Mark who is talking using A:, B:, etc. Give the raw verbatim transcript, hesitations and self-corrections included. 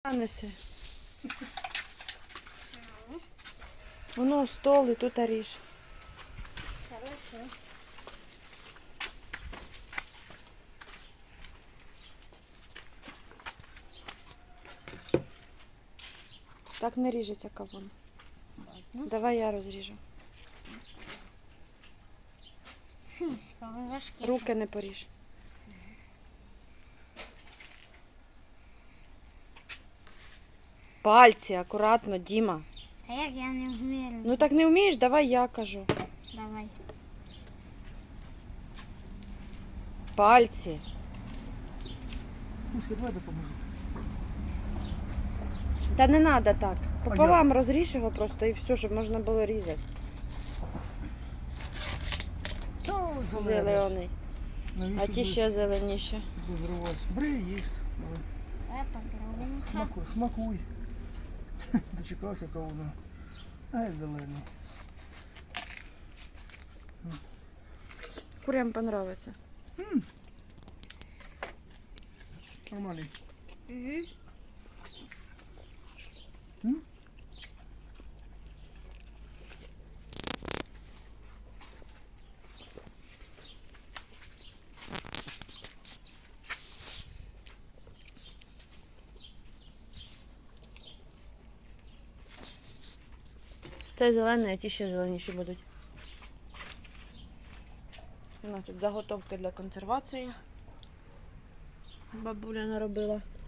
A: Неси. Воно стол і тут ріж.
B: Хорошо.
A: Так не ріжеться кавун.
B: Ладно.
A: Давай я розріжу.
B: Кавун важкий.
A: Руки не поріж. Пальці, акуратно, Діма.
B: А як я не вмію?
A: Ну так не вмієш, давай я кажу.
B: Давай.
A: Пальці.
C: Муська, давай допоможу.
A: Та не треба так. Пополам розріж його просто і все, щоб можна було різати.
C: Та, зелений.
A: Зелений.
C: Навіщо
A: А ті
C: будеш
A: ще зеленіші.
C: дозрівати? Бери і їсть. Давай.
B: Давай попробуємо.
C: Смакуй, смакуй. Дочекався кавуна. Ай, зелений.
A: Курям понравиться.
C: М. Нормальний.
B: Угу.
C: М?
A: Це зелений, а ті ще зеленіші будуть. У нас тут заготовки для консервації. Бабуля наробила.